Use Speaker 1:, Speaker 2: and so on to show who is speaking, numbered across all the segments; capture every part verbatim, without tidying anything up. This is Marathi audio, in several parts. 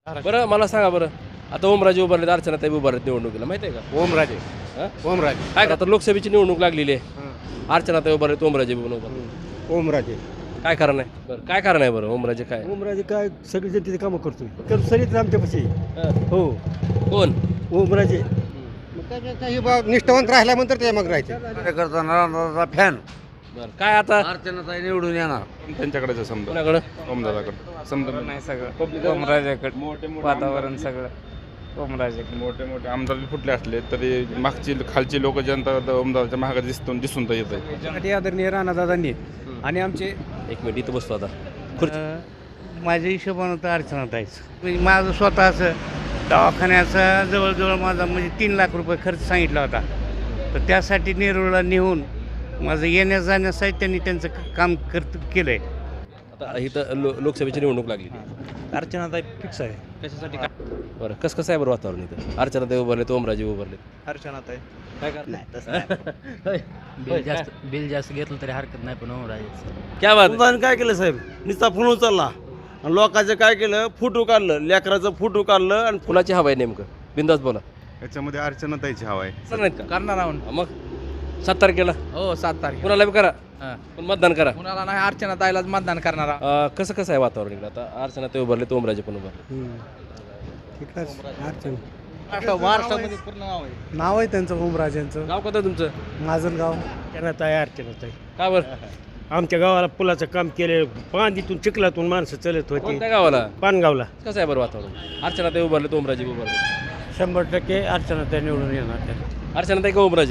Speaker 1: बरं मला सांगा बरं, आता ओमराजे उभारलेत, अर्चनाताई उभारलेत निवडणुकीला, माहिती आहे का?
Speaker 2: ओमराजे
Speaker 1: हं?
Speaker 2: ओमराजे
Speaker 1: काय आता लोकसभेची निवडणूक लागलेली आहे, अर्चनाताई उभारलेत, ओमराजे पण उभारलेत.
Speaker 2: ओमराजे
Speaker 1: काय कारण आहे बरं, काय कारण आहे बरं ओमराजे काय?
Speaker 2: ओमराजे काय सगळी जनतेची कामं करतोय तर सरीत आमच्यापाशी
Speaker 1: हं.
Speaker 2: हो
Speaker 1: कोण?
Speaker 2: ओमराजे मग काय काही बा निष्ठावंत राहिल्यानंतर ते मग राहायचे
Speaker 3: कार्यकर्ता नारायणदादा फॅन
Speaker 1: बरं काय आता
Speaker 3: अर्चनाताई निवडून येणार
Speaker 4: त्यांच्याकडेच समजा
Speaker 1: कोणाकडं?
Speaker 4: ओमदादाकडे समजा
Speaker 5: नाही सगळं ओमराजेकडे
Speaker 4: मोठे मोठे
Speaker 5: वातावरण सगळं ओमराजेकडे
Speaker 4: मोठे मोठे आमदार फुटले असले तरी मागची खालची लोक जनता ओमदादाच्या महागात दिसून दिसून तर येत आहे
Speaker 2: त्यासाठी आदरणीय राणादादांनी आणि आमचे
Speaker 1: एक मिनिट इथं बसतो आता. खुर्ची.
Speaker 3: अं, माझ्या हिशोबानं तर अर्चनाताईच म्हणजे माझं स्वतःचं दवाखान्याचा जवळजवळ माझा म्हणजे तीन लाख रुपये खर्च सांगितला होता तर त्यासाठी नेरूळला नेऊन माझं येण्या जाण्यासाठी त्यांनी त्यांचं क- काम करत केलं आहे.
Speaker 1: आता इथं लो लोकसभेची निवडणूक लागली,
Speaker 2: अर्चनाताई फिक्स आहे
Speaker 1: कशासाठी काय बरं कसं कसं आहे बरं वातावरण इथं? अर्चनाताई उभारलेत, ओमराजे उभारलेत,
Speaker 2: अर्चनाताई
Speaker 1: काय करणार?
Speaker 6: बिल जास्त बिल जास्त घेतलं तरी हरकत नाही पण ओमराजेचं
Speaker 1: क्या बात?
Speaker 7: अनुदान काय केलं साहेब नुसता फोन उचलला आणि लोकांचं काय केलं फोटो काढलं लेकराचं फोटो काढलं आणि
Speaker 1: कुणाची हवा आहे नेमकं? बिंदास बोला.
Speaker 4: याच्यामध्ये अर्चनाताईची हवा आहे.
Speaker 1: सर नाहीत का?
Speaker 5: करणार आहोत
Speaker 1: मग सात तारखेला
Speaker 5: हो सात तारखेला
Speaker 1: कुणाला बी करा,
Speaker 5: हां.
Speaker 1: पण मतदान करा.
Speaker 5: कुणाला नाही अर्चना ताईलाच मतदान करणार आहोत.
Speaker 1: अं, कसं कसं आहे वातावरण इकडं? आता अर्चनाताई उभारले, ओमराजे पण उभारले.
Speaker 2: ठीक आहे अर्चना
Speaker 5: महाराष्ट्रामध्ये पूर्ण नाव आहे.
Speaker 2: नाव आहे त्यांचं ओमराजेंचं
Speaker 1: गाव कोणतं तुमचं?
Speaker 2: माझं गाव अर्चनाताई अर्चनाताई
Speaker 1: का बरं?
Speaker 2: आमच्या गावाला पुलाचं काम केले पांदीतून चिखलातून माणसं चलत होती
Speaker 1: कोणत्या गावाला?
Speaker 2: पानगावला
Speaker 1: कसं आहे बरं वातावरण? अर्चनाताई उभारले, ओमराजे उभारले.
Speaker 2: शंभर टक्के अर्चनाताई निवडून येणार
Speaker 1: अर्चनाताई का ओमराजे?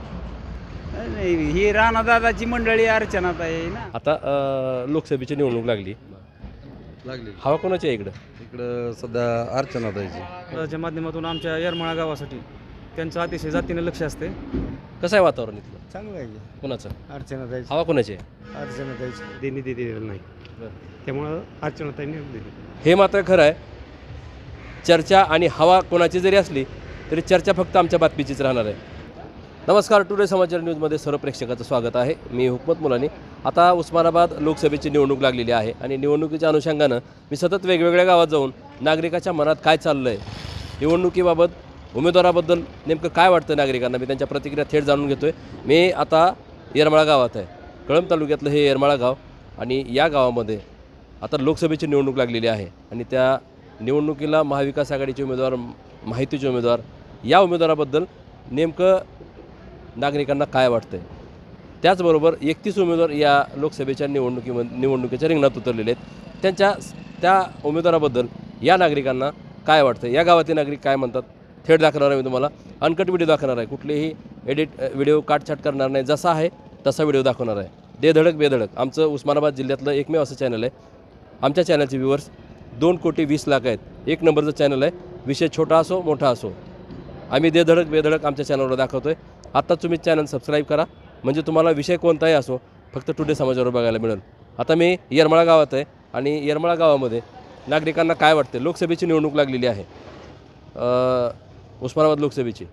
Speaker 5: नाही ही राणादादाची मंडळी अर्चनाताई आहे ना.
Speaker 1: आता अं, लोकसभेची निवडणूक लागली,
Speaker 8: लागली
Speaker 1: हवा कोणाची आहे इकडं?
Speaker 8: इकडं सध्या अर्चनाताईची.
Speaker 2: त्याच्या माध्यमातून आमच्या येरमाळा गावासाठी त्यांचं अतिशय जातीने लक्ष असते
Speaker 1: कसं आहे वातावरण इथलं?
Speaker 2: चांगलं आहे
Speaker 1: कोणाचं?
Speaker 2: अर्चनाताई
Speaker 1: हवा कोणाची आहे?
Speaker 2: अर्चनाताईची देणी दिलेलं नाही त्यामुळं अर्चनाताई निवडून दिली
Speaker 1: हे मात्र खरं आहे. चर्चा आणि हवा कोणाची जरी असली तरी चर्चा फक्त आमच्या बातमीचीच राहणार आहे. नमस्कार, टुडे समाचार न्यूजमध्ये सर्व प्रेक्षकाचं स्वागत आहे. मी हुकमत मुलानी. आता उस्मानाबाद लोकसभेची निवडणूक लागलेली आहे आणि निवडणुकीच्या अनुषंगानं मी सतत वेगवेगळ्या गावात जाऊन नागरिकाच्या मनात काय चाललं आहे, निवडणुकीबाबत, उमेदवाराबद्दल नेमकं काय वाटतं नागरिकांना, मी त्यांच्या प्रतिक्रिया थेट जाणून घेतो आहे. मी आता येरमाळा गावात आहे. कळंब तालुक्यातलं हे येरमाळा गाव आणि या गावामध्ये आता लोकसभेची निवडणूक लागलेली आहे आणि त्या निवडणुकीला महाविकास आघाडीचे उमेदवार, माहितीचे उमेदवार, या उमेदवाराबद्दल नेमकं नागरिकांना काय वाटतं आहे. त्याचबरोबर एकतीस उमेदवार या लोकसभेच्या निवडणुकीमध्ये निवडणुकीच्या रिंगणात उतरलेले आहेत. त्यांच्या त्या उमेदवाराबद्दल या नागरिकांना काय वाटतं, या गावातील नागरिक काय म्हणतात, थेट दाखवणार आहे. मी तुम्हाला अनकट व्हिडिओ दाखवणार आहे, कुठलेही एडिट व्हिडिओ काटछाट करणार नाही, जसा आहे तसा व्हिडिओ दाखवणार आहे. बेधडक बेधडक आमचं उस्मानाबाद जिल्ह्यातलं एकमेव असं चॅनल आहे. आमच्या चॅनलचे व्ह्यूवर्स दोन कोटी वीस लाख आहेत. एक नंबरचं चॅनल आहे. विषय छोटा असो मोठा असो, आम्ही देधडक बेधडक आमच्या चॅनलवर दाखवतो आहे. आत्ता तुम्ही चॅनल सबस्क्राईब करा, म्हणजे तुम्हाला विषय कोणताही असो फक्त टुडे समाचारवर बघायला मिळेल. आता मी येरमाळा गावात आहे आणि येरमाळा गावामध्ये नागरिकांना काय वाटते. लोकसभेची निवडणूक लागलेली आहे, उस्मानाबाद लोकसभेची.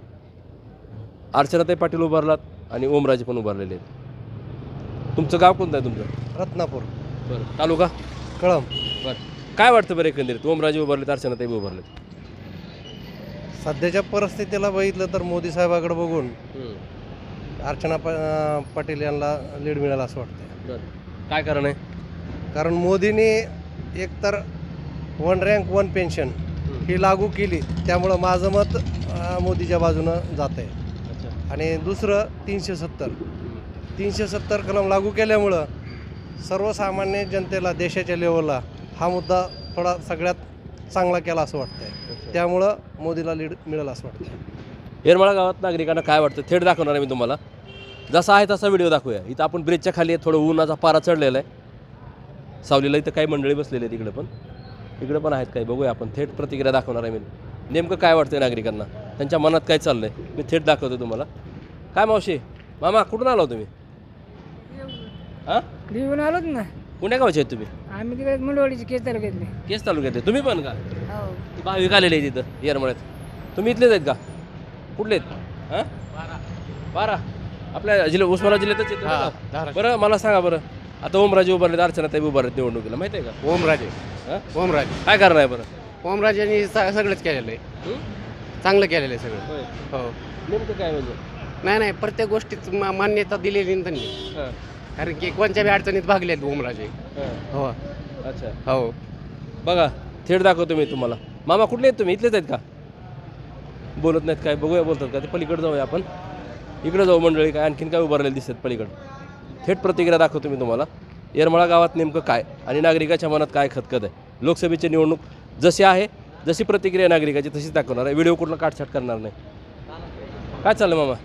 Speaker 1: अर्चनाताई पाटील उभारलात आणि ओमराजे पण उभारलेले आहेत. तुमचं गाव कोणतं आहे तुमचं?
Speaker 2: रत्नापूर
Speaker 1: बरं. तालुका?
Speaker 2: कळंब.
Speaker 1: बरं. काय वाटतं बरं एकंदरीत, ओमराजे उभारलेत, अर्चनाताई उभारलेत?
Speaker 9: सध्याच्या परिस्थितीला बघितलं तर मोदी साहेबाकडे बघून अर्चना पा पाटील यांना लीड मिळाला असं वाटतं.
Speaker 1: बरं. काय कारण आहे?
Speaker 9: कारण मोदींनी एकतर वन रँक वन पेन्शन ही लागू केली, त्यामुळं माझं मत अं, मोदीच्या बाजूनं जात आहे. आणि दुसरं तीनशे सत्तर तीनशे सत्तर कलम लागू केल्यामुळं सर्वसामान्य जनतेला, देशाच्या लेवलला हा मुद्दा थोडा सगळ्यात चांगला केला असं वाटतंय. त्यामुळं मोदीला लीड मिळेल असं वाटतं.
Speaker 1: येरमाळा गावात नागरिकांना काय वाटतं थेट दाखवणार आहे मी तुम्हाला. जसा आहे तसा व्हिडिओ दाखवूया. इथं आपण ब्रिजच्या खाली आहे, थोडं उन्हाचा पारा चढलेला आहे, सावलीला. इथं काही मंडळी बसलेली आहेत, इकडे पण इकडे पण आहेत काही. बघूया आपण, थेट प्रतिक्रिया दाखवणार आहे मी. नेमकं काय वाटतं नागरिकांना, त्यांच्या मनात काय चाललं आहे, मी थेट दाखवतो तुम्हाला. काय मावशी, मामा कुठून आला तुम्ही? हां,
Speaker 10: घेऊन आलोच ना.
Speaker 1: पुण्या गावचे आहेत तुम्ही?
Speaker 10: आम्ही तिकडे मुंडवाडीचे केस तालुक्यातले.
Speaker 1: केस तालुक्यातले. तुम्ही पण का?
Speaker 10: हो.
Speaker 1: भाविक आलेले आहेत तिथं येरमाळ्यात. तुम्ही इथलेच आहेत का? कुठले आहेत? हां, बारा. आपल्या जिल्हा उस्मानाबाद जिल्ह्यातच येतं. बरं मला सांगा बरं, आता ओमराजे उभारलेत, अर्चनाताई उभारलेत निवडणुकीला, माहिती आहे का?
Speaker 2: ओमराजे
Speaker 1: हां,
Speaker 2: ओमराजे
Speaker 1: काय कारण आहे बरं?
Speaker 3: ओमराजेंनी स- सगळंच केलेलं आहे, चांगलं केलेलं आहे सगळं. हो,
Speaker 1: नेमकं काय म्हणजे
Speaker 3: नाही नाही प्रत्येक गोष्टीत मा- मान्यता दिलेली ना त्यांनी,
Speaker 1: हां
Speaker 3: कारण की कोणत्या बी अडचणीत भागलेत ओमराजे.
Speaker 1: हां
Speaker 3: हो
Speaker 1: अच्छा
Speaker 3: हो.
Speaker 1: बघा थेट दाखवतो मी तुम्हाला. मामा कुठले आहेत तुम्ही? इथलेच आहेत का? बोलत नाहीत काय? बघूया बोलतात का ते. पलीकडे जाऊया आपण, इकडे जाऊ मंडळी. काय आणखीन काय उभारलेले दिसतात पलीकडे? थेट प्रतिक्रिया दाखवतो मी तुम्हाला. येरमाळा गावात नेमकं काय आणि नागरिकाच्या मनात काय खतखत आहे. लोकसभेची निवडणूक जशी आहे, जशी प्रतिक्रिया नागरिकाची तशीच दाखवणार आहे. व्हिडिओ कुठला काटछाट करणार नाही. काय चाललं मामा?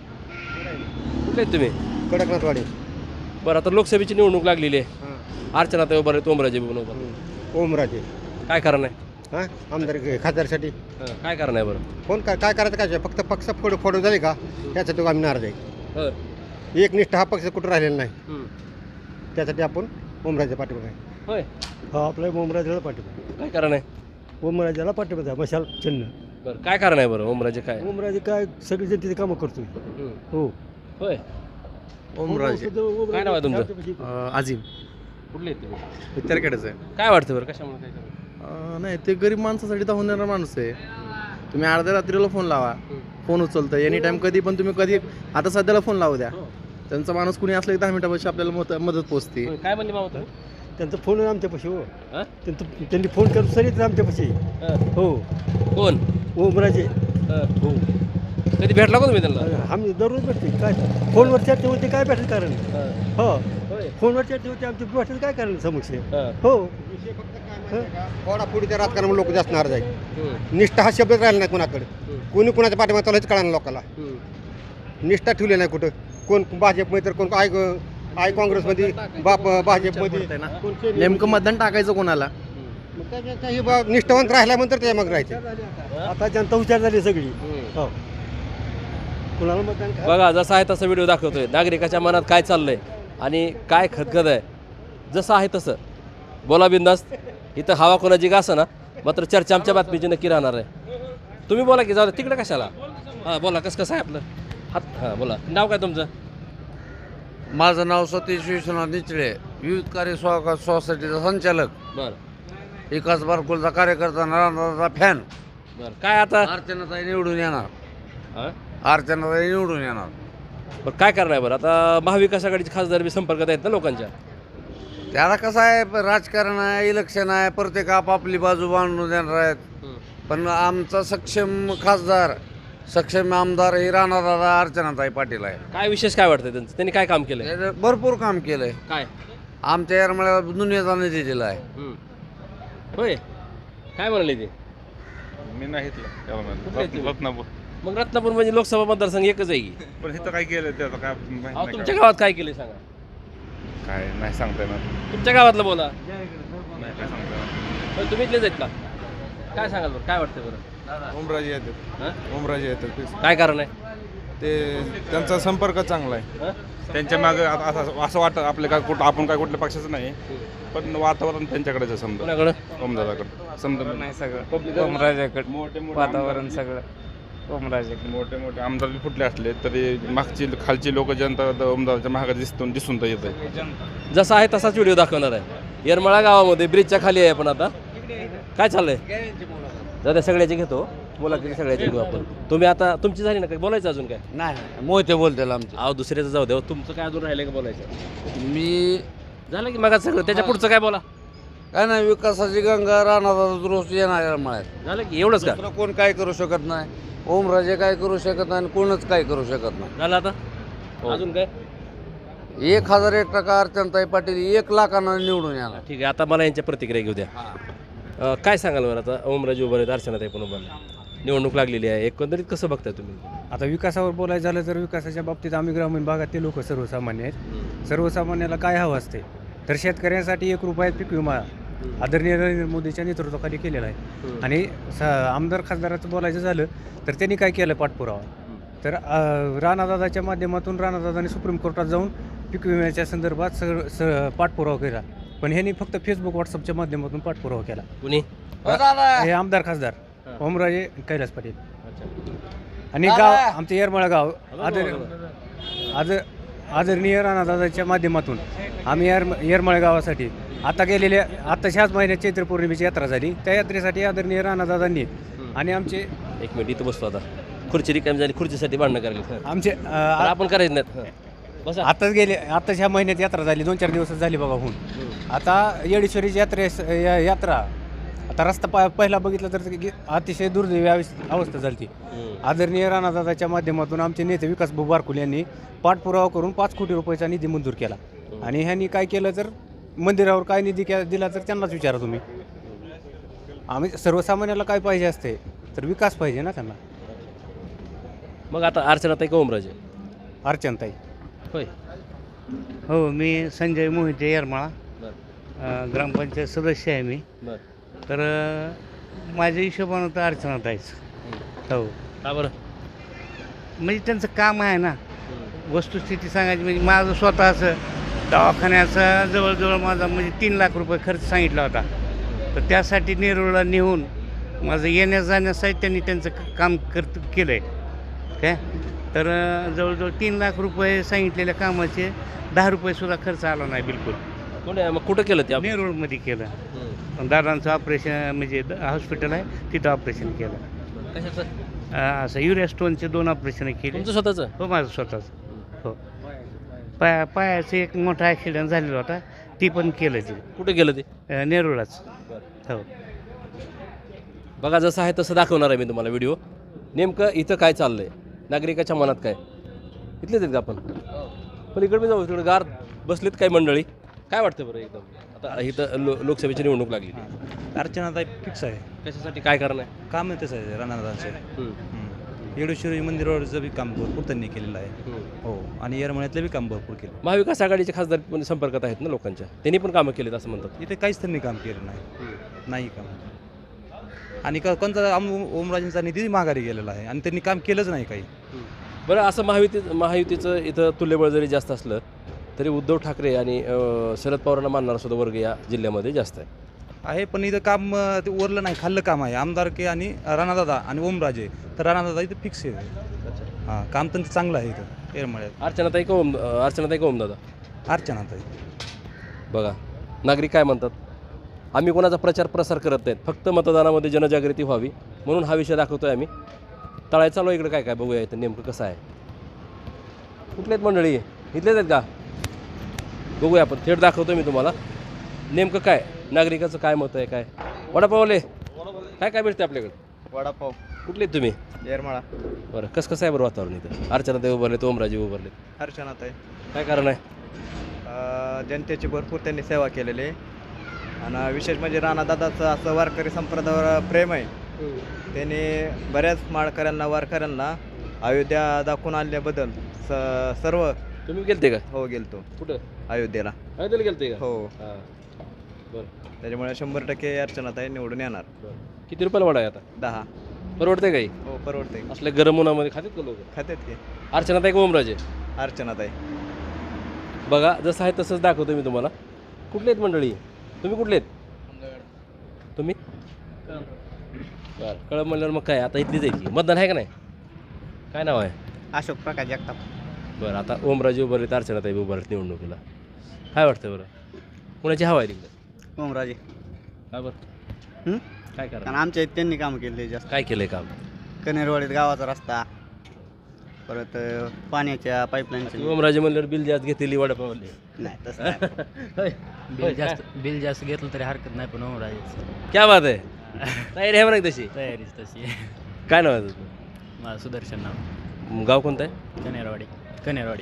Speaker 1: कुठले आहेत तुम्ही?
Speaker 9: कडकनाथवाडी.
Speaker 1: बरं, आता लोकसभेची निवडणूक लागलेली आहे. अर्चनाताई उभारले आहेत, ओमराजे बनवतात.
Speaker 9: ओमराजे
Speaker 1: काय कारण आहे?
Speaker 9: हां आमदार खासदारसाठी
Speaker 1: हं, काय कारण आहे बरं?
Speaker 9: कोण काय काय करायचं काय? फक्त पक्ष फोड फोडून झाले का त्यासाठी आम्ही नाराज आहे.
Speaker 1: हं,
Speaker 9: एक निष्ठा हा पक्ष कुठं राहिलेला नाही,
Speaker 1: हं.
Speaker 9: त्यासाठी आपण ओमराजे पाठिंबा आहे.
Speaker 1: होय,
Speaker 2: हा आपल्या ओमराजेला पाठिंबा,
Speaker 1: काय कारण आहे?
Speaker 2: ओमराजेला पाठिंबा आहे, मशाल चिन्ह.
Speaker 1: बरं, काय कारण आहे बरं? ओमराजे काय?
Speaker 2: ओमराजे काय सगळी जनतेची कामं करतोय.
Speaker 1: हं.
Speaker 2: हो
Speaker 1: होय,
Speaker 2: ओमराजे
Speaker 1: काय नाव आहे तुमचं?
Speaker 8: अजिम
Speaker 1: कुठले आहेत तुम्ही?
Speaker 8: त्याकडेच आहे.
Speaker 1: काय वाटतं बरं, कशामुळे काय कारण?
Speaker 8: अं, नाही ते गरीब माणसासाठी धावणारा माणूस आहे. तुम्ही अर्ध्या रात्रीला फोन लावा, फोन उचलतं एनी टाईम, कधी पण तुम्ही कधी. आता सध्याला फोन लावू द्या, त्यांचा माणूस कुणी असला की दहा मिनिटापाशी आपल्याला मत मदत पोचते.
Speaker 1: होय, काय म्हणले मामा तुम्ही?
Speaker 2: त्यांचा फोन आमच्यापाशी. हो
Speaker 1: हां?
Speaker 2: त्यांचं त्यांनी फोन करून सरी आमच्यापाशी.
Speaker 1: हं.
Speaker 2: हो
Speaker 1: कोण?
Speaker 2: ओमराजे.
Speaker 1: हं.
Speaker 2: हो
Speaker 1: कधी भेटला का तुम्ही त्यांना?
Speaker 2: आम्ही दररोज भेटते. काय फोनवर चर्चा होते, काय भेटेल कारण?
Speaker 1: हं.
Speaker 2: हो
Speaker 1: होय.
Speaker 2: फोनवर चर्चा होते आमची, भेटेल काय कारण समक्ष?
Speaker 1: हं.
Speaker 2: हो
Speaker 9: फोडाफोडीच्या राजकारणामुळे लोक जास्त नाराज आहे.
Speaker 1: हं.
Speaker 9: निष्ठा हा शब्दच राहिला नाही कोणाकडे.
Speaker 1: हं.
Speaker 9: कोणी कोणाच्या पाठिंबा चालू कळणार लोकांना.
Speaker 1: हं.
Speaker 9: निष्ठा ठेवली नाही कुठं. कोण भाजपमध्ये तर कोण आय आय काँग्रेसमध्ये, बाप भाजपमध्ये.
Speaker 8: नेमकं मतदान टाकायचं कोणाला?
Speaker 9: मग त्याच्यात हे बा निष्ठावंत राहिल्यानंतर ते मग राहायचे.
Speaker 2: आता जनता हुशार झाली सगळी.
Speaker 1: हं.
Speaker 2: हो कुणाला मतदान काय?
Speaker 1: बघा, जसा आहे तसा व्हिडिओ दाखवतोय. नागरिकाच्या मनात काय चाललंय आणि काय खतखत आहे, जसं आहे तसं बोला बिंदास्त. इथं हवा कोणाची का असं ना, मात्र चर्चा आमच्या बातमीची नक्की राहणार आहे. तुम्ही बोला की, जाऊ तिकडे कशाला. हां बोला, कसं कसं आहे आपलं हात. हां बोला, नाव काय तुमचं?
Speaker 3: माझं नाव सतीश विश्वनाथ निचळे, विविध कार्य स्वा सोसायटीचा संचालक,
Speaker 1: बरं
Speaker 3: विकास बारकुलचा कार्यकर्ता, नारायणदाचा फॅन.
Speaker 1: बरं, काय आता
Speaker 3: अर्चनाताई निवडून येणार,
Speaker 1: हां
Speaker 3: अर्चनाताई निवडून येणार.
Speaker 1: बरं, काय करणार आहे बरं? आता महाविकास आघाडीचे खासदार बी संपर्कात आहेत ना लोकांच्या.
Speaker 3: त्याला कसं आहे, राजकारण आहे, इलेक्शन आहे, प्रत्येक आपापली बाजू बांधून देणार आहेत. पण आमचा सक्षम खासदार, सक्षम आमदार ही राणादादा अर्चनाताई पाटील आहे.
Speaker 1: काय विशेष काय वाटतं त्यांचं? त्यांनी काय काम केलंय?
Speaker 3: त्यानं भरपूर काम केलंय.
Speaker 1: काय?
Speaker 3: आमच्या येरमाळ्याला दुनियाचा निधी दिला आहे.
Speaker 1: हं. होय, काय म्हणाले ते?
Speaker 4: मी नाही इथलं, त्याला
Speaker 1: कुठले
Speaker 4: म्हणलं.
Speaker 1: तुम्ही?
Speaker 4: रत्नापूर.
Speaker 1: मग रत्नापूर म्हणजे लोकसभा मतदारसंघ एकच आहे की.
Speaker 4: पण इथं काय केलं त्याचं काय माहित
Speaker 1: अहो,
Speaker 4: नाही
Speaker 1: तुमच्या
Speaker 4: का?
Speaker 1: गावात काय केलंय सांगा.
Speaker 4: काय नाही सांगता येणार.
Speaker 1: तुमच्या गावातलं बोला.
Speaker 4: नाही काय सांगता येणार.
Speaker 1: पण तुम्ही इथलेच आहेत का? काय सांगाल बरं, काय वाटतं बरं?
Speaker 11: ओमराजे येतात.
Speaker 1: हां?
Speaker 11: ओमराजे येतात.
Speaker 1: काय कारण आहे?
Speaker 11: ते त्यांचा संपर्क चांगला आहे.
Speaker 1: हां?
Speaker 4: त्यांच्या मागे असं असं वाटतं आपलं काय कुठं, आपण काय कुठल्या पक्षाचं नाही, पण वातावरण त्यांच्याकडेच आहे समजा,
Speaker 1: कोणाकडं?
Speaker 4: ओमदादाकडे समजा.
Speaker 5: नाही सगळं
Speaker 4: पब्लिक
Speaker 5: ओमराजेकडे,
Speaker 4: मोठे मोठे
Speaker 5: वातावरण
Speaker 4: आमदार-
Speaker 5: सगळं ओमराजेकडे.
Speaker 4: मोठे मोठे आमदार बी फुटले असले तरी मागची खालची लोक जनता ओमदादाच्या महागात दिसून दिसून तर येत.
Speaker 1: जसा आहे तसाच व्हिडिओ दाखवणार आहे. येरमाळा गावामध्ये ब्रिजच्या खाली आहे आपण आता. काय चाललंय? दादा सगळ्याचे घेतो, बोला की सगळ्याचे घेऊ आपण. तुम्ही आता तुमची झाली ना काय बोलायचं अजून काय?
Speaker 3: नाही मोहिते बोलते आमचे.
Speaker 1: अहो दुसऱ्याचं जाऊ द्या, तुमचं काय अजून राहिलं का बोलायचं?
Speaker 3: मी
Speaker 1: झालं की मग सगळं, त्याच्या पुढचं काय बोला.
Speaker 3: काय नाही, विकासाची गंगा राणादादा दुरुस्त येणार येरमाळ्यात.
Speaker 1: झालं की एवढंच का?
Speaker 3: दुसरं कोण काय करू शकत नाही. ओमराजे काय करू शकत नाही आणि कोणच काय करू शकत नाही.
Speaker 1: झालं आता अजून काय?
Speaker 3: एक हजार एक टक्का अर्चनाताई पाटील एक लाखांना निवडून येणार.
Speaker 1: ठीक आहे, आता मला यांच्या प्रतिक्रिया घेऊ द्या. अं, काय सांगाल बरं? आता ओमराजे उभं आहेत, अर्चनाताई पण उभं आहे. निवडणूक लागलेली आहे, एकंदरीत कसं बघताय तुम्ही?
Speaker 5: आता विकासावर बोलायचं झालं तर विकासाच्या बाबतीत आम्ही ग्रामीण भागातले लोक सर्वसामान्य आहेत. सर्वसामान्याला काय हवं असते तर शेतकऱ्यांसाठी एक रुपयात पीक विमा आदरणीय नरेंद्र मोदीच्या नेतृत्वाखाली केलेला आहे. आणि स आमदार खासदाराचं बोलायचं झालं तर त्यांनी काय केलं पाठपुरावा, तर राणादादाच्या माध्यमातून राणादादांनी सुप्रीम कोर्टात जाऊन पीक विम्याच्या संदर्भात स स पाठपुरावा केला. पण ह्यांनी फक्त फेसबुक व्हॉट्सअपच्या माध्यमातून पाठपुरावा केला.
Speaker 1: कुणी?
Speaker 5: हे आमदार खासदार ओमराजे कैलास पाटील आणि गाव आमचं येरमाळा गाव आदर आदर आदरणीय राणादादाच्या माध्यमातून आम्ही येर येरमाळा गावासाठी आता गेलेल्या आत्ताच ह्याच महिन्यात चैत्र पौर्णिमेची यात्रा झाली. त्या यात्रेसाठी आदरणीय राणादादांनी आणि आमचे
Speaker 1: एक मिनिट इथं बसतो आता. खुर्ची रिकामी झाली, खुर्चीसाठी भांडणं करायला.
Speaker 5: आमचे
Speaker 1: पण
Speaker 5: अं,
Speaker 1: आपण करायचं नाहीत. बसा.
Speaker 5: आताच गेले आत्ताच ह्या महिन्यात यात्रा झाली, दोन चार दिवस झाली बघा होऊन. आता येडेश्वरीची यात्रेस या- यात्रा आता रस्ता पा पहिला बघितला तर ते अतिशय दुर्दैवी अवस्थ- अवस्था झाली. आदरणीय राणादादाच्या माध्यमातून आमचे नेते विकास भाऊ बारकुल यांनी पाठपुरावा करून पाच कोटी रुपयाचा निधी मंजूर केला. आणि ह्यांनी काय केलं तर मंदिरावर काय निधी के दिला तर त्यांनाच विचारा तुम्ही. आम्ही सर्वसामान्याला काय पाहिजे असते तर विकास पाहिजे ना त्यांना.
Speaker 1: मग आता अर्चनाताई का ओमराजे?
Speaker 5: अर्चनताई.
Speaker 1: होय.
Speaker 3: हो, मी संजय मोहिते येरमाळा,
Speaker 1: बरं
Speaker 3: अ, ग्रामपंचायत सदस्य आहे मी.
Speaker 1: बरं.
Speaker 3: तर अ, माझ्या हिशोबानं तर अर्चनाताईच. हो,
Speaker 1: का बरं?
Speaker 3: म्हणजे त्यांचं काम आहे ना. वस्तुस्थिती सांगायची म्हणजे माझं स्वतःचं दवाखान्याचा जवळजवळ माझा म्हणजे तीन लाख रुपये खर्च सांगितला होता. तर त्यासाठी नेरूळला नेऊन माझं येण्या जाण्यासाठी त्यांनी त्यांचं क- काम करत केलं आहे काय. तर अ, जवळजवळ तीन लाख रुपये सांगितलेल्या कामाचे दहा रुपयेसुद्धा खर्च आला नाही बिलकुल.
Speaker 1: कोण आहे? मग कुठं केलं ते आपण?
Speaker 3: नेरूळमध्ये केलं.
Speaker 1: हं.
Speaker 3: पण दादांचं ऑपरेशन म्हणजे द- हॉस्पिटल आहे तिथं ऑपरेशन केलं.
Speaker 1: कशाचं?
Speaker 3: अ, असं युरिया स्टोनचे दोन ऑपरेशन केले.
Speaker 1: तुमचं स्वतःचं?
Speaker 3: हो, माझं स्वतःच. हो, पाया पायाचं एक मोठा ॲक्सिडेंट झालेला होता, ती पण केलं ते
Speaker 1: कुठे गेलं ते?
Speaker 3: अ, नेरूळलाच. हो,
Speaker 1: बघा, जसं आहे तसं दाखवणार आहे मी तुम्हाला व्हिडिओ. नेमकं इथं काय चाललंय, नागरिकाच्या मनात काय. इथलेच आहेत का आपण? पण इकडे मी जाऊ, तिकडे गार बसलीत काही मंडळी. काय वाटतं बरं एकदम आता इथं लो लोकसभेची निवडणूक लागली?
Speaker 6: अर्चनाताई फिक्स आहे.
Speaker 1: कशासाठी, काय कारण आहे?
Speaker 6: काम तेच आहे राणादादांचे.
Speaker 1: हं.
Speaker 6: येडेश्वरी मंदिरावरचं बी काम भरपूर त्यांनी केलेलं आहे.
Speaker 1: हं.
Speaker 6: हो, आणि येरमळ्यातलं बी काम भरपूर केलं.
Speaker 1: महाविकास आघाडीचे खासदार पण संपर्कात आहेत ना लोकांच्या, त्यांनी पण कामं केलीत असं म्हणतात.
Speaker 6: इथे काहीच त्यांनी काम केलं नाही. नाही काम. आणि का कोणता आम ओमराजेंचा निधी माघारी गेलेला आहे आणि त्यांनी काम केलंच नाही काही.
Speaker 1: बरं, असं महायुती महायुतीचं इथं तुल्यबळ जरी जास्त असलं तरी उद्धव ठाकरे आणि अं, शरद पवारांना मानणारा सुद्धा वर्ग या जिल्ह्यामध्ये जास्त आहे.
Speaker 6: आहे पण इथं काम अं, ते उरलं नाही, खाल्लं काम आहे. आमदारके आणि राणादादा आणि ओमराजे, तर राणादादा इथं फिक्स आहे. हां, काम त्यांचं चांगलं आहे इथं येरमळ्यात.
Speaker 1: अर्चनाताई का ओम अं, अर्चनाताई का ओमदादा?
Speaker 6: अर्चनाताई.
Speaker 1: बघा, नागरिक काय म्हणतात. आम्ही कोणाचा प्रचार प्रसार करत नाहीत, फक्त मतदानामध्ये जनजागृती व्हावी म्हणून हा विषय दाखवतोय आम्ही. तळाय चालू इकडे काय काय बघूया इथं नेमकं कसं आहे. कुठले आहेत मंडळी? इथलेच आहेत का? बघूया आपण, थेट दाखवतोय मी तुम्हाला नेमकं काय नागरिकाचं काय मत आहे. काय वडापावले काय काय भेटते आपल्याकडे?
Speaker 8: वडापाव.
Speaker 1: कुठले आहेत तुम्ही?
Speaker 8: येरमाळा.
Speaker 1: बरं, कसं कसं आहे बरं वातावरण इथं? अर्चनाताई उभारलेत, ओमराजे उभारलेत,
Speaker 8: अर्चनाताई.
Speaker 1: काय कारण आहे?
Speaker 8: अ, जनतेची भरपूर त्यांनी सेवा केलेली आहे. आणि विशेष म्हणजे राणादादाचं असं वारकरी संप्रदायावर प्रेम आहे. त्यांनी बऱ्याच माळकऱ्यांना वारकऱ्यांना अयोध्या दाखवून आणल्याबद्दल स सर्व.
Speaker 1: तुम्ही गेलते का?
Speaker 8: हो, गेलतो
Speaker 1: कुठं?
Speaker 8: अयोध्येला.
Speaker 1: अयोध्येला गेलते का?
Speaker 8: हो,
Speaker 1: हां. बरं
Speaker 8: त्याच्यामुळे शंभर टक्के अर्चनाताई निवडून येणार.
Speaker 1: बरं. किती रुपयाला वडा आहे आता?
Speaker 8: दहा.
Speaker 1: परवडते काही?
Speaker 8: हो, परवडते.
Speaker 1: असल्या गरम उन्हामध्ये खातात का लोक?
Speaker 8: खात्यात की
Speaker 1: अर्चनाताई का ओमराजे?
Speaker 8: अर्चनाताई.
Speaker 1: बघा, जसं आहे तसंच दाखवतो मी तुम्हाला. कुठले आहेत मंडळी? तुम्ही कुठले आहेत? तुम्ही बरं, कळम म्हणल्यावर मग काय आता इथलीच आहे की. मतदान आहे का नाही? काय नाव आहे?
Speaker 3: अशोक प्रकाश जगताप.
Speaker 1: बरं, आता ओमराजे उभारलेत, अर्चनाताई उभारलेत निवडणुकीला. काय वाटतं बरं, कुणाची हवा आहे तिकडे?
Speaker 3: ओमराजे.
Speaker 1: काय बरं?
Speaker 3: हं?
Speaker 1: काय करा?
Speaker 3: कारण आमच्या इथे त्यांनी काम केले जास्त.
Speaker 1: काय केलंय काम?
Speaker 3: कनेरवाडीत गावाचा रस्ता, परत पाण्याच्या पाईपलाईनचे.
Speaker 1: ओमराजे म्हणल्यावर बिल जास्त घेतलेली वडापावले.
Speaker 3: नाही तसं नाही.
Speaker 6: बिल जास्त बिल जास्त घेतलं तरी हरकत नाही, पण ओमराजेच
Speaker 1: क्या बात आहे. तयारी आहे बरं तशी?
Speaker 6: तयारीच तशी आहे.
Speaker 1: काय नाव आहे तुझं?
Speaker 6: माझं सुदर्शन नाव.
Speaker 1: गाव कोणतं आहे?
Speaker 6: कनेरवाडी. कनेरवाडी.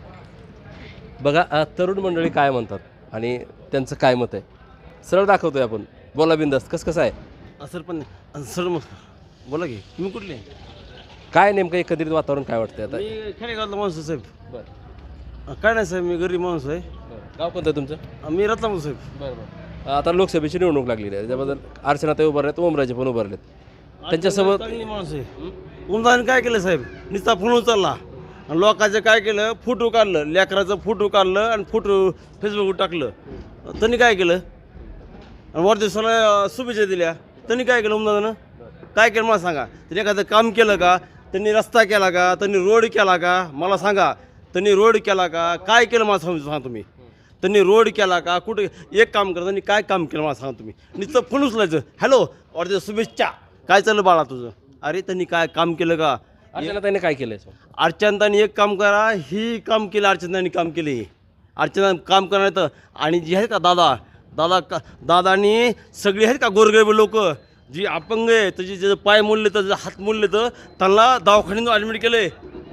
Speaker 1: बघा, अ, तरुण मंडळी काय म्हणतात आणि त्यांचं काय मत आहे सरळ दाखवतोय आपण. बोला बिंदास्त, कसं कसं आहे सर? पण सर बोला की, तुम्ही कुठले? काय नेमकं एकंदरीत वातावरण काय वाटतंय आता?
Speaker 7: मी खेडेगावातला माणूस आहे साहेब.
Speaker 1: बरं.
Speaker 7: काय नाही साहेब, मी गरीब माणूस आहे.
Speaker 1: गाव कोणतं आहे तुमचं?
Speaker 7: मी रत्नापूर साहेब.
Speaker 1: बरं बरं. आता लोकसभेची निवडणूक लागलेली आहे, त्याबद्दल अर्चनाताई उभारलेत, ओमराजे पण उभारलेत. त्यांच्यासोबत
Speaker 7: चांगली माणूस आहे. उमदाने काय केलं साहेब, नुसता फोन उचलला आणि लोकांचं काय केलं, फोटो काढलं, लेकराचं फोटो काढलं आणि फोटो फेसबुकवर टाकलं. त्यांनी काय केलं आणि वाढदिवसाला शुभेच्छा दिल्या. त्यांनी काय केलं उमदानं? काय केलं मला सांगा. त्यांनी एखादं काम केलं का? त्यांनी रस्ता केला का? त्यांनी रोड केला का? मला सांगा. त्यांनी रोड केला का? काय केलं मला समजून सांगा तुम्ही. त्यांनी रोड केला का कुठे एक काम करा त्यांनी काय काम केलं मला सांगा तुम्ही नुसतं फोन उचलायचं हॅलो और शुभेच्छा काय चाललं बाळा तुझं अरे त्यांनी काय काम केलं का
Speaker 1: अर्चनाताईने काय केलंय
Speaker 7: अर्चनाताईंनी एक काम करा ही काम केलं अर्चनाताईंनी काम केले अर्चना काम करणार तर आणि जी आहेत का दादा दादा का दादानी सगळी आहेत का गोरगरीब लोक जी अपंग आहे त्याची जे पाय मोडले तर जे हात मोडले तर त्यांना दवाखान्यात ॲडमिट केले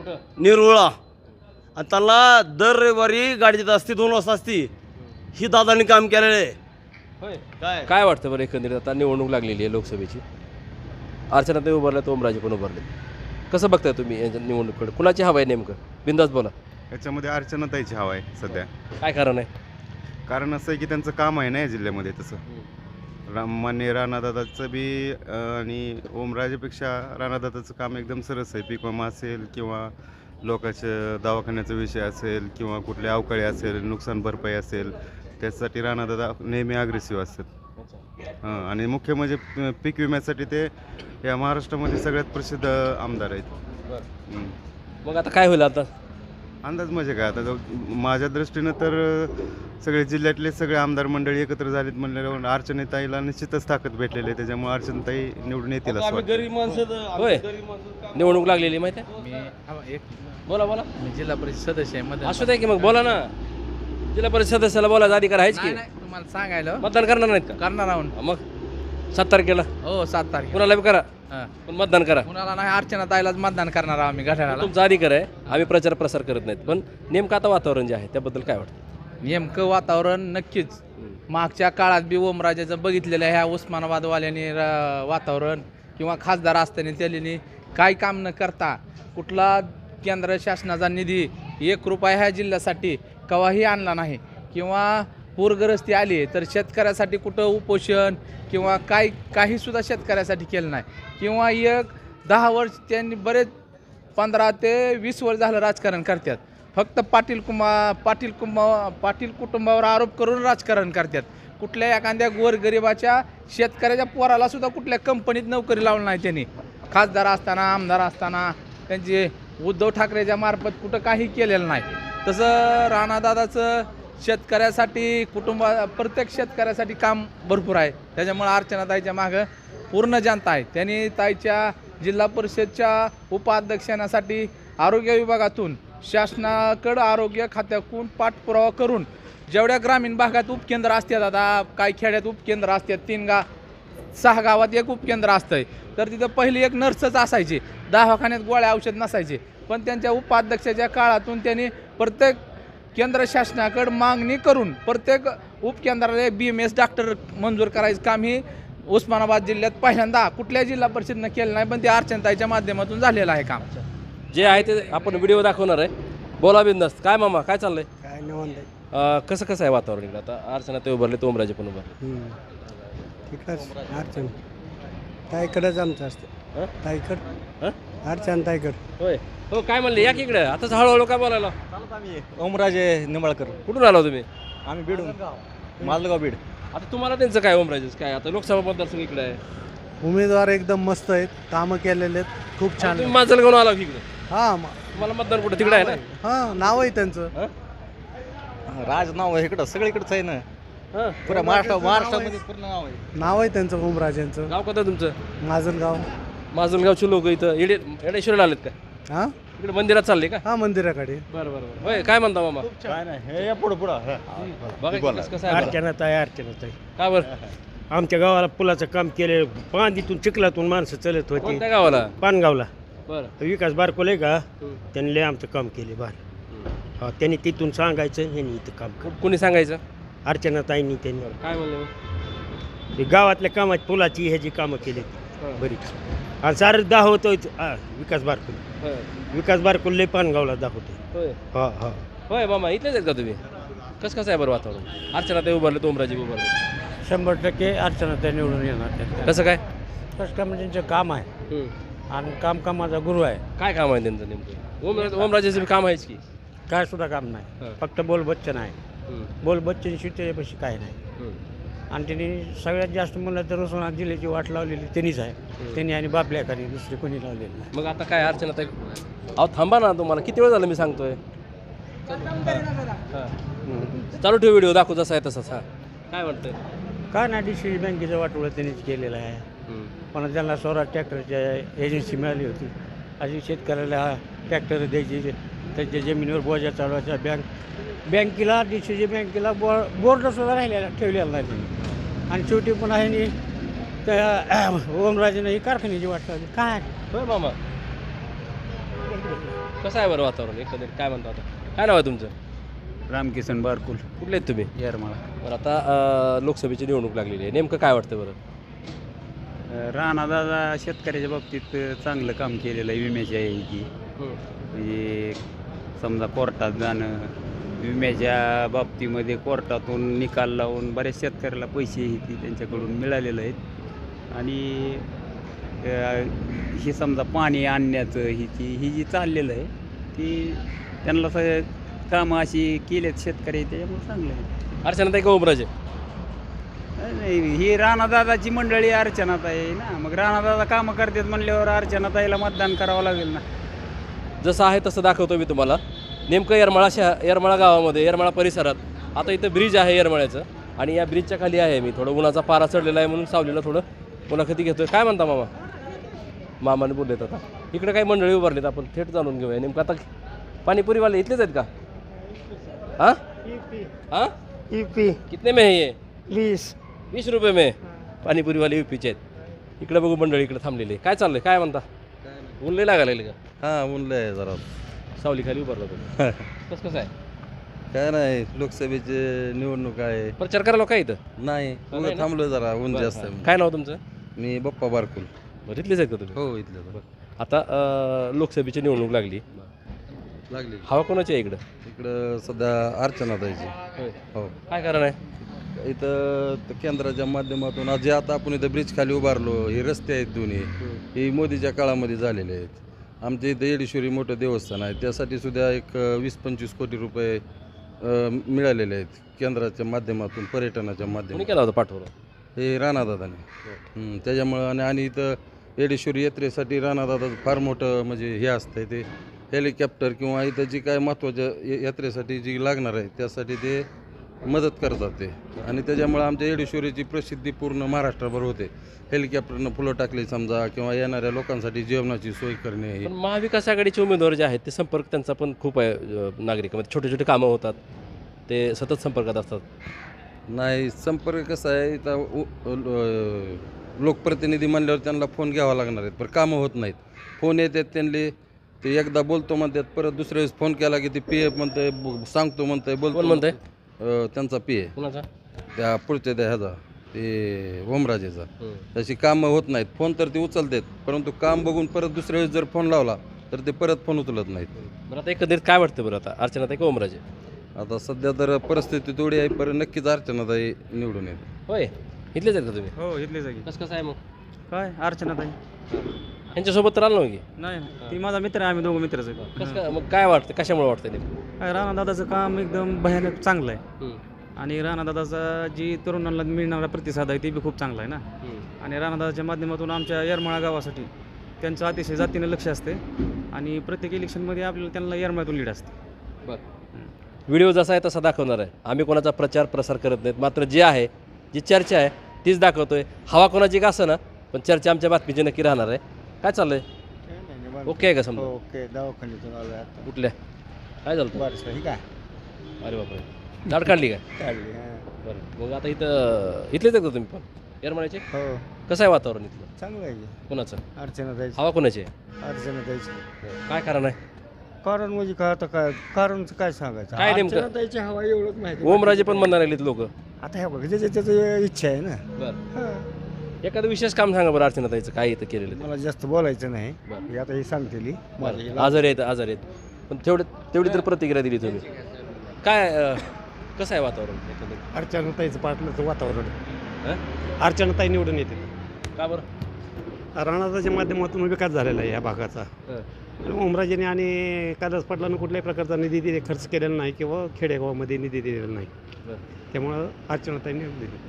Speaker 7: निरोळा आणि त्यांना दर रविवारी गाडी देत असते दोन वाजता असती ही दादानी काम केलेलं आहे
Speaker 1: होय काय काय वाटतं बरं एकंदरीत आता निवडणूक लागलेली आहे लोकसभेची अर्चनाताई उभारल्यात ओमराजे पण उभारले कसं बघताय तुम्ही यांच्या निवडणुकीकडे कुणाची हवा आहे नेमकं बिंदास बोला
Speaker 4: याच्यामध्ये अर्चनाताईची हवा आहे सध्या
Speaker 1: काय कारण आहे
Speaker 4: कारण असं आहे की त्यांचं काम आहे ना या जिल्ह्यामध्ये तसं राम मान्य राणादादाचं बी अं, आणि ओमराजेपेक्षा राणादादाचं काम एकदम सरस आहे पीक विमा असेल किंवा लोकांच्या दवाखान्याचा विषय असेल किंवा कुठले अवकाळी असेल नुकसान भरपाई असेल त्यासाठी राणादादा नेहमी अग्रेसिव्ह असतात हां आणि मुख्य म्हणजे प- पीक विम्यासाठी ते या महाराष्ट्रामध्ये सगळ्यात प्रसिद्ध आमदार आहेत हं.
Speaker 1: मग आता काय होईल आता
Speaker 4: अंदाज म्हणजे काय आता जो- माझ्या दृष्टीनं तर सगळे जिल्ह्यातले सगळे आमदार मंडळी एकत्र झालीत म्हणल्यावर अर्चनाताईला निश्चितच ताकद भेटलेली आहे त्याच्यामुळे अर्चनाताई निवडून येतील असं
Speaker 7: आम्ही
Speaker 4: वाटतं.
Speaker 7: गरीब माणसं
Speaker 1: होय
Speaker 7: गरीब माणसं
Speaker 1: निवडणूक लागलेली माहिती आहे
Speaker 8: मी हा, एक
Speaker 1: बोला बोला
Speaker 8: मी जिल्हा परिषद सदस्य आहे
Speaker 1: असू द्या की मग बोला ना जिल्हा परिषद सदस्याला बोलायचा अधिकार आहेच की
Speaker 8: नाही तुम्हाला सांगायला
Speaker 1: मतदान करणार नाहीत का
Speaker 8: करणार आहोत
Speaker 1: मग सात तारखेला
Speaker 8: हो सात तारीख
Speaker 1: कुणाला बी करा पण मतदान करा
Speaker 8: कुणाला नाही अर्चना ताईलाच मतदान करणार आहोत आम्ही घड्याळाला
Speaker 1: तुमचा अधिकार आहे आम्ही प्रचार प्रसार करत नाहीत पण नेमकं आता वातावरण जे आहे त्याबद्दल काय वाटतं
Speaker 8: नेमकं वातावरण नक्कीच मागच्या काळात बी ओमराजाचं बघितलेलं आहे ह्या उस्मानाबादवाल्याने र- वातावरण किंवा खासदार असताना त्यांनी काय काम न करता कुठला केंद्र शासनाचा निधी एक रुपया ह्या जिल्ह्यासाठी केव्हाही आणला नाही किंवा पूरग्रस्ती आली तर शेतकऱ्यासाठी कुठं उपोषण किंवा काय काहीसुद्धा शेतकऱ्यासाठी केलं नाही किंवा एक दहा वर्ष त्यांनी बरेच पंधरा ते वीस वर्ष झालं राजकारण करतात फक्त पाटील कुमा पाटील कुंभा पाटील कुटुंबावर आरोप करून राजकारण करतात कुठल्या एखाद्या गोरगरिबाच्या शेतकऱ्याच्या पोराला सुद्धा कुठल्या कंपनीत नोकरी लावली नाही त्यांनी खासदार असताना आमदार असताना त्यांचे उद्धव ठाकरेच्या मार्फत कुठं काही केलेलं नाही तसं राणादादाचं शेतकऱ्यासाठी कुटुंबा प्रत्येक शेतकऱ्यासाठी काम भरपूर आहे त्याच्यामुळे अर्चनाताईच्या मागं पूर्ण जनता आहे त्यांनी ताईच्या जिल्हा परिषदच्या उपाध्यक्षांसाठी आरोग्य विभागातून शासनाकडं आरोग्य खात्याकडून पाठपुरावा करून जेवढ्या ग्रामीण भागात उपकेंद्र असतात आता काही खेड्यात उपकेंद्र असतात तीन गा सहा गावात एक उपकेंद्र असतंय तर तिथं पहिली एक नर्सच असायची दवाखान्यात गोळ्या औषध नसायचे पण त्यांच्या उपाध्यक्षाच्या काळातून त्यांनी प्रत्येक केंद्र शासनाकडे मागणी करून प्रत्येक उपकेंद्राला बी एम एस डॉक्टर मंजूर करायचं काम ही उस्मानाबाद जिल्ह्यात पहिल्यांदा कुठल्या जिल्हा परिषदनं केलं नाही पण ते अर्चनाताईच्या माध्यमातून झालेलं आहे काम
Speaker 1: जे आहे ते आपण व्हिडिओ दाखवणार आहे बोला बिंदास काय मामा काय चाललंय
Speaker 2: काय निवांत
Speaker 1: अं, कसं कसं आहे वातावरण इकडं आता अर्चना ते उभारले तो ओमराजे पण उभारले
Speaker 2: तिकडंच अडचण ताईकडंच आमचं असतं
Speaker 1: हं?
Speaker 2: ताईकड
Speaker 1: हं?
Speaker 2: अडचण ताईकड
Speaker 1: होय हो काय म्हणले या की इकडे आताच हळूहळू काय बोलायला
Speaker 6: ओमराजे निंबाळकर
Speaker 1: कुठून आला तुम्ही
Speaker 6: आम्ही बीडून मालगाव बीड
Speaker 1: आता तुम्हाला त्यांचं काय ओमराजेच काय आता लोकसभा मतदारसंघ इकडे आहे
Speaker 9: उमेदवार एकदम मस्त आहेत कामं केलेले आहेत खूप छान
Speaker 1: तुम्ही माझं घेऊन आला की इकडे
Speaker 9: हां
Speaker 1: तुम्हाला मतदान कुठे तिकडे आहे ना
Speaker 9: हां नाव आहे त्यांचं
Speaker 6: राज नाव आहे इकडं सगळीकडचं आहे ना
Speaker 1: हं?
Speaker 6: पुऱ्या महाराष्ट्र महाराष्ट्रामध्ये पूर्ण नाव आहे
Speaker 9: नाव आहे त्यांचं ओमराजेंचं
Speaker 1: गाव कोणतं तुमचं
Speaker 9: माजलगाव
Speaker 1: माजलगावचे लोक इथं येडे येडेश्वरला आलेत का
Speaker 9: हां
Speaker 1: इकडे मंदिरात चालले का
Speaker 9: हां मंदिराकडे
Speaker 1: बरं बरं बरं होय काय म्हणता मामा
Speaker 6: काय नाही हे या पुढं पुढं
Speaker 1: बघा की कसं कसं आहे बरं.
Speaker 2: अर्चनाताई अर्चनाताई
Speaker 1: का बरं
Speaker 2: आमच्या गावाला पुलाचं काम केले पांदीतून चिखलातून माणसं चालत होती
Speaker 1: कोणत्या गावाला
Speaker 2: पानगावला
Speaker 1: बरं
Speaker 2: विकास बारकोले का
Speaker 1: हं.
Speaker 2: त्यांनी लय आमचं काम केले बार हा त्यांनी तिथून सांगायचं ह्यांनी इथं काम कर
Speaker 1: कोणी सांगायचं
Speaker 2: अर्चनाताईंनी त्यांनी
Speaker 1: काय म्हणलं मग?
Speaker 2: ते गावातल्या कामात पुलाची ह्याची कामं केली
Speaker 1: हं.
Speaker 2: बरीच आणि सारं दाखवतोय विकास बारकोले
Speaker 1: होय.
Speaker 2: विकास बारकोले पानगावला दाखवतोय
Speaker 1: होय
Speaker 2: हा हा
Speaker 1: होय मामा इथलेच आहेत का तुम्ही कसं कसं आहे बरं वातावरण अर्चना ते उभारले तो ओमराजे उभारले
Speaker 2: शंभर टक्के अर्चनाताई निवडून येणार
Speaker 1: कसं काय
Speaker 2: कसं काय म्हणजे त्यांचं काम आहे
Speaker 1: हं.
Speaker 2: आणि काम कामाचा गुरु आहे
Speaker 1: काय काम आहे त्यांचं नेमकं ओम ओमराजेचं बी काम आहेच की
Speaker 2: काय सुद्धा काम नाही
Speaker 1: हं.
Speaker 2: फक्त बोल बच्चन आहे
Speaker 1: हं.
Speaker 2: बोल बच्चन त्याच्यापाशी काय नाही
Speaker 1: हं.
Speaker 2: आणि त्यांनी सगळ्यात जास्त म्हणलं तर उस्मानाबाद जिल्ह्याची वाट लावलेली त्यांनीच आहे त्यांनी आणि बापल्याखाली दुसरी कोणी लावलेली नाही
Speaker 1: मग आता काय अर्चना ताई अहो थांबा ना तुम्हाला किती वेळ झालं मी सांगतोय चालू ठेव व्हिडिओ दाखवू जसा आहे तसाच. हा काय वाटतंय?
Speaker 2: काय नाही डी सी बँकेचं वाटोळं त्यांनीच केलेलं आहे. पण त्यांना स्वराज ट्रॅक्टरच्या एजन्सी मिळाली होती. अशी शेतकऱ्याला ट्रॅक्टर द्यायची, त्यांच्या जमिनीवर बोजा चालवायचा. बँक बँकेला डी सी जी बँकेला बो बोर्डसुद्धा राहिलेला ठेवलेला नाही त्यांनी. आणि शेवटी पण आहे नी त्या ओमराजेनं ही कारखान्याची वाट लावली. काय
Speaker 1: होय मामा, कसं आहे बरं वातावरण एकंदरीत काय म्हणतो आता? काय नाव आहे तुमचं?
Speaker 3: रामकिसन बारकुल,
Speaker 1: कुठले आहेत तुम्ही?
Speaker 3: येरमाळा.
Speaker 1: बरं आता अं, लोकसभेची निवडणूक लागलेली आहे, नेमकं काय वाटतं बरं?
Speaker 3: राणादादा शेतकऱ्याच्या बाबतीत चांगलं काम केलेलं आहे. विम्याच्या आहे की म्हणजे समजा कोर्टात जाणं, विम्याच्या बाबतीमध्ये कोर्टातून निकाल लावून बऱ्याच शेतकऱ्याला पैसे ही त्यांच्याकडून मिळालेले आहेत. आणि हे समजा पाणी आणण्याचं ही ती ही जी चाललेलं आहे ती त्यांना सगळं कामं अशी केलेत शेतकरी, त्याच्यामुळे चांगलं आहे.
Speaker 1: अर्चनाताई का ओमराजे?
Speaker 3: नाही, ही राणादादाची मंडळी अर्चनाताई आहे ना, मग राणादादा कामं करतात म्हणल्यावर अर्चनाताईला मतदान करावं लागेल ना.
Speaker 1: जसं आहे तसं दाखवतो मी तुम्हाला. नेमकं येरमाळा शहर येरमाळा गावामध्ये येरमाळा परिसरात आता इथं ब्रिज आहे येरमाळ्याचं, आणि या ब्रिजच्या खाली आहे मी. थोडं उन्हाचा पारा चढलेला आहे म्हणून सावलीला थोडं मुलाखती घेतोय. काय म्हणता मामा? मामाने बोललेत आता. इकडे काही मंडळी उभारलीत, आपण थेट जाणून घेऊया नेमकं आता. पाणीपुरीवाले इथलेच आहेत का? हां हां
Speaker 2: ई पी
Speaker 1: कितने में है ये?
Speaker 2: वीस
Speaker 1: वीस रुपये में पाणीपुरीवाले युपीचे आहेत. इकडे बघू मंडळी इकडे थांबलेली. काय चाललंय? काय म्हणता? ऊन लय लागायला लागले का?
Speaker 8: हां ऊनलं आहे जरा.
Speaker 1: सावली खाली उभारला तुम्ही. कसं कसं आहे?
Speaker 8: काय नाही, लोकसभेची निवडणूक आहे.
Speaker 1: प्रचार करायला काय इथं?
Speaker 8: नाही
Speaker 1: नाही ना?
Speaker 8: थांबलो जरा, ऊन
Speaker 1: बरं,
Speaker 8: जास्त
Speaker 1: हां.
Speaker 8: आहे.
Speaker 1: काय नाव तुमचं?
Speaker 8: मी बप्पा बारकुल.
Speaker 1: बरं, इथलेच आहेत का तुम्ही?
Speaker 8: हो इथलं
Speaker 1: आता अं, लोकसभेची निवडणूक लागली.
Speaker 8: लागली.
Speaker 1: हवा कोणाची आहे इकडं?
Speaker 8: इकडं सध्या अर्चनाताईची.
Speaker 1: होय.
Speaker 8: हो
Speaker 1: काय कारण आहे?
Speaker 8: इथं त- केंद्राच्या माध्यमातून आज जे आता आपण इथं ब्रिज खाली उभारलो, हे रस्ते आहेत दोन्ही, हे मोदीच्या काळामध्ये झालेले आहेत. आमच्या इथं येडेश्वरी मोठं देवस्थान आहे, त्यासाठी सुद्धा एक अ, वीस पंचवीस कोटी रुपये अ, मिळालेले आहेत केंद्राच्या माध्यमातून, पर्यटनाच्या
Speaker 1: कोणी
Speaker 8: माध्यमातून.
Speaker 1: केला होता पाठवलं?
Speaker 8: हे राणादादाने. हं, त्याच्यामुळं आणि आणि इथं येडेश्वरी यात्रेसाठी राणादादाचं फार मोठं म्हणजे हे असतं ते हेलिकॉप्टर किंवा इथं जी काय महत्त्वाच्या या- यात्रेसाठी जी लागणार आहे त्यासाठी ते मदत करतात ते. आणि त्याच्यामुळं आमच्या येडेश्वरीची प्रसिद्धी पूर्ण महाराष्ट्रभर होते. हेलिकॉप्टरनं फुलं टाकली समजा, किंवा येणाऱ्या लोकांसाठी जेवणाची सोय करणे.
Speaker 1: पण महाविकास आघाडीचे उमेदवार जे आहेत ते संपर्क त्यांचा पण खूप आहे अं, नागरिकांमध्ये. छोटे छोटे कामं होतात, ते सतत संपर्कात असतात.
Speaker 8: नाही, संपर्क कसा आहे, इथं उ- लो- लोकप्रतिनिधी म्हणल्यावर त्यांना फोन घ्यावा लागणार आहेत, पण कामं होत नाहीत. फोन येतात त्यांनी, ते एकदा बोलतो म्हणतात, परत दुसऱ्या वेळेस फोन केला की ते पी एफ म्हणतंय, ब- सांगतो म्हणतंय, बोलतो.
Speaker 1: कोण म्हणतंय?
Speaker 8: अं, त्यांचा पी ए
Speaker 1: कुणाचा?
Speaker 8: त्या पुढच्या त्या ह्याचा ते ओमराजेचा. तशी कामं होत नाहीत. फोन तर ते उचलतात, परंतु काम बघून परत दुसऱ्या वेळेस जर फोन लावला तर ते परत फोन उचलत नाहीत.
Speaker 1: बरं आता एकंदरीत काय वाटतं बरं आता? अर्चनाताई का ओमराजे?
Speaker 8: आता सध्या तर परिस्थिती थोडी आहे, पण नक्कीच अर्चनाताई निवडून येते.
Speaker 1: होय, इथलेच आहेत का तुम्ही?
Speaker 2: हो इथले जागी.
Speaker 1: कसं कसं आहे मग?
Speaker 2: काय अर्चनाताई?
Speaker 1: यांच्यासोबत तर आलो की?
Speaker 2: नाही, ती माझा मित्र आहे, आम्ही दोघं मित्रच आहे.
Speaker 1: कसं काय मग? काय वाटतं, कशामुळे वाटतं नेमकं?
Speaker 2: काय राणादादाचं काम एकदम भयानक चांगलं आहे. आणि राणादादाचा जी तरुणांना मिळणारा प्रतिसाद आहे ते बी खूप चांगला आहे ना. आणि राणादादाच्या माध्यमातून आमच्या येरमाळा गावासाठी त्यांचं अतिशय जातीनं लक्ष असते, आणि प्रत्येक इलेक्शनमध्ये आपल्याला त्यांना येरमाळ्यातून लीड असते.
Speaker 1: बरं, व्हिडिओ जसा आहे तसा दाखवणार आहे. आम्ही कोणाचा प्रचार प्रसार करत नाहीत, मात्र जे आहे जी चर्चा आहे तीच दाखवतोय. हवा कोणाची का असं ना, पण चर्चा आमच्या बातमीची नक्की राहणार आहे. काय चाललंय? ओके आहे का समजा?
Speaker 2: ओके, दवाखान्यातून आलो आता.
Speaker 1: कुठल्या? काय झालं?
Speaker 2: बरं, ही काय
Speaker 1: अरे बापरे, दाढ काढली काय?
Speaker 2: काढली.
Speaker 1: बरं, मग आता इथं इथलेच आहेत का तुम्ही पण येरमाळ्याचे?
Speaker 2: हो
Speaker 1: कसं आहे वातावरण इथलं?
Speaker 2: चांगलं आहे.
Speaker 1: कोणाचं?
Speaker 2: अर्चनाताई.
Speaker 1: हवा कोणाची आहे?
Speaker 2: अर्चनाताईची.
Speaker 1: काय कारण आहे?
Speaker 2: कारण म्हणजे काय आता काय कारणचं काय सांगायचं?
Speaker 1: काय नेमकं?
Speaker 2: अर्चनाताईची हवा एवढंच माहिती.
Speaker 1: ओमराजे पण म्हणणार लागलेत लोक.
Speaker 2: आता हे बघ, ज्याच्या त्याचं इच्छा आहे ना.
Speaker 1: बरं, एखादं विशेष काम सांगा बरं अर्चनाताईचं, काय इथं केलेलं आहे?
Speaker 2: मला जास्त बोलायचं नाही.
Speaker 1: बरं.
Speaker 2: हे आता हे सांगते
Speaker 1: बरं, आजारी आहेत आजारी आहेत पण तेवढे तेवढी तर प्रतिक्रिया दिली तुम्ही. काय अं, कसं आहे वातावरण एकंदरीत?
Speaker 2: अर्चनाताईचं पाटलाचं वातावरण.
Speaker 1: हं?
Speaker 2: अर्चनाताई निवडून येते.
Speaker 1: का बरं?
Speaker 2: राणादाच्या माध्यमातून विकास झालेला आहे या भागाचा.
Speaker 1: हं.
Speaker 2: आणि ओमराजेने आणि कैलास पाटलानं कुठल्याही प्रकारचा निधी दिले खर्च केलेला नाही, किंवा खेडेगावामध्ये निधी दिलेला नाही.
Speaker 1: बरं.
Speaker 2: त्यामुळं अर्चनाताई निवडून दिली.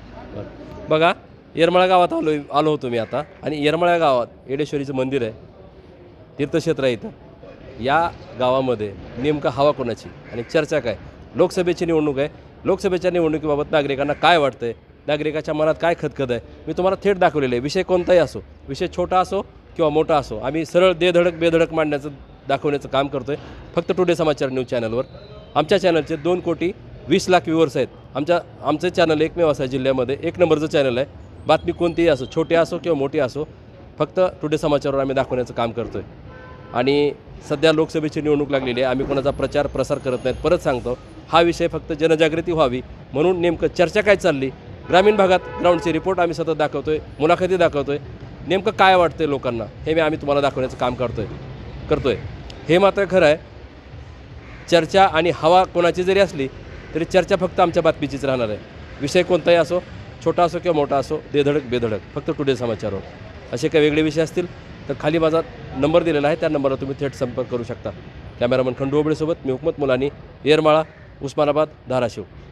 Speaker 1: बरं, बघा येरमाळा गावात आलो आलो होतो मी आता, आणि येरमाळा गावात येडेश्वरीचं मंदिर आहे, तीर्थक्षेत्र आहे इथं. या गावामध्ये नेमकं हवा कोणाची आणि चर्चा काय. लोकसभेची निवडणूक आहे. लोकसभेच्या निवडणुकीबाबत नागरिकांना काय वाटतंय, नागरिकाच्या मनात काय खदखद आहे, मी तुम्हाला थेट दाखवलेलं आहे. विषय कोणताही असो, विषय छोटा असो किंवा मोठा असो, आम्ही सरळ देधडक बेधडक मांडण्याचं दाखवण्याचं काम करतो आहे फक्त टुडे समाचार न्यूज चॅनलवर. आमच्या चॅनलचे दोन कोटी वीस लाख व्ह्यूवर्स आहेत. आमच्या आमचं चॅनल एकमेव असं जिल्ह्यामध्ये एक नंबरचं चॅनल आहे. बातमी कोणतीही असो, छोटी असो किंवा मोठी असो, फक्त टुडे समाचारवर आम्ही दाखवण्याचं काम करतो आहे. आणि सध्या लोकसभेची निवडणूक लागलेली आहे. आम्ही कोणाचा प्रचार प्रसार करत नाहीत. परत सांगतो, हा विषय फक्त जनजागृती व्हावी म्हणून नेमकं चर्चा काय चालली, ग्रामीण भागात ग्राउंडचे रिपोर्ट आम्ही सतत दाखवतो आहे, मुलाखती दाखवतो आहे. नेमकं काय वाटतं लोकांना हे मी आम्ही तुम्हाला दाखवण्याचं काम करतो आहे करतो आहे हे मात्र खरं आहे. चर्चा आणि हवा कोणाची जरी असली तरी चर्चा फक्त आमच्या बातमीचीच राहणार आहे. विषय कोणताही असो, छोटा असो किंवा मोठा असो, देधडक बेधडक फक्त टुडे समाचारवर. असे काही वेगळे विषय असतील तर खाली माझा नंबर दिलेला आहे, त्या नंबरला तुम्ही थेट संपर्क करू शकता. कॅमेरामन खंडू ओबळेसोबत मी हुकमत मुलानी, येरमाळा, उस्मानाबाद, धाराशिव.